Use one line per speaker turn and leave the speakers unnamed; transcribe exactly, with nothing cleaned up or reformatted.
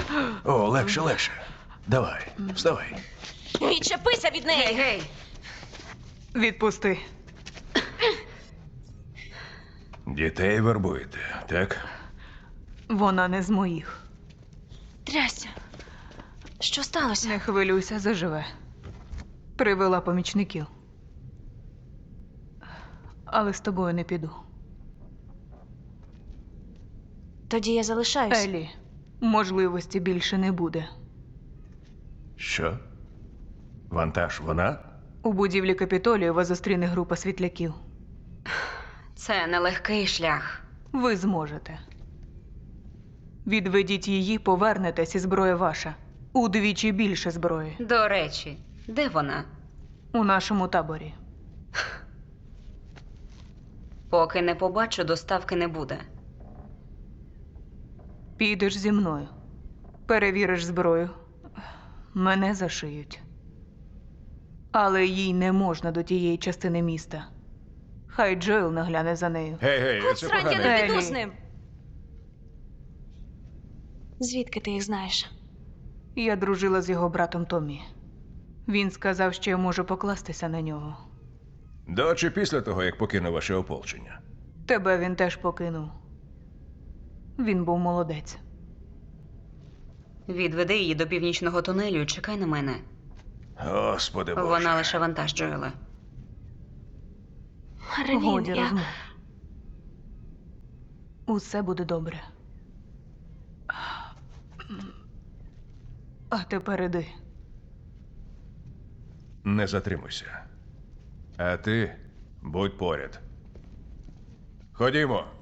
О, легше, легше. Давай, вставай.
Відчепися від неї!
Гей, гей!
Відпусти.
Дітей вербуєте, так?
Вона не з моїх.
Трясся. Що сталося?
Не хвилюйся, заживе. Привела помічників. Але з тобою не піду.
Тоді я залишаюсь.
Елі, можливості більше не буде.
Що? Вантаж вона?
У будівлі Капітолію вас зустріне група світляків.
Це нелегкий шлях.
Ви зможете. Відведіть її, повернетесь, і зброя ваша. Удвічі більше зброї.
До речі, де вона?
У нашому таборі.
Поки не побачу, доставки не буде.
Підеш зі мною. Перевіриш зброю. Мене зашиють. Але їй не можна до тієї частини міста. Хай Джоел нагляне за нею.
Гей, гей,
От
це
срань, я
погано.
не піду
Елі.
з ним. Звідки ти їх знаєш?
Я дружила з його братом Томмі. Він сказав, що я можу покластися на нього.
До чи після того, як покинув ваше ополчення?
Тебе він теж покинув. Він був молодець.
Відведи її до північного тунелю і чекай на мене.
Господи Боже.
Вона лише вантаж Джоела.
Ревін,
Годі
я...
розмов. Усе буде добре. А тепер іди.
Не затримуйся. А ти будь поряд. Ходімо.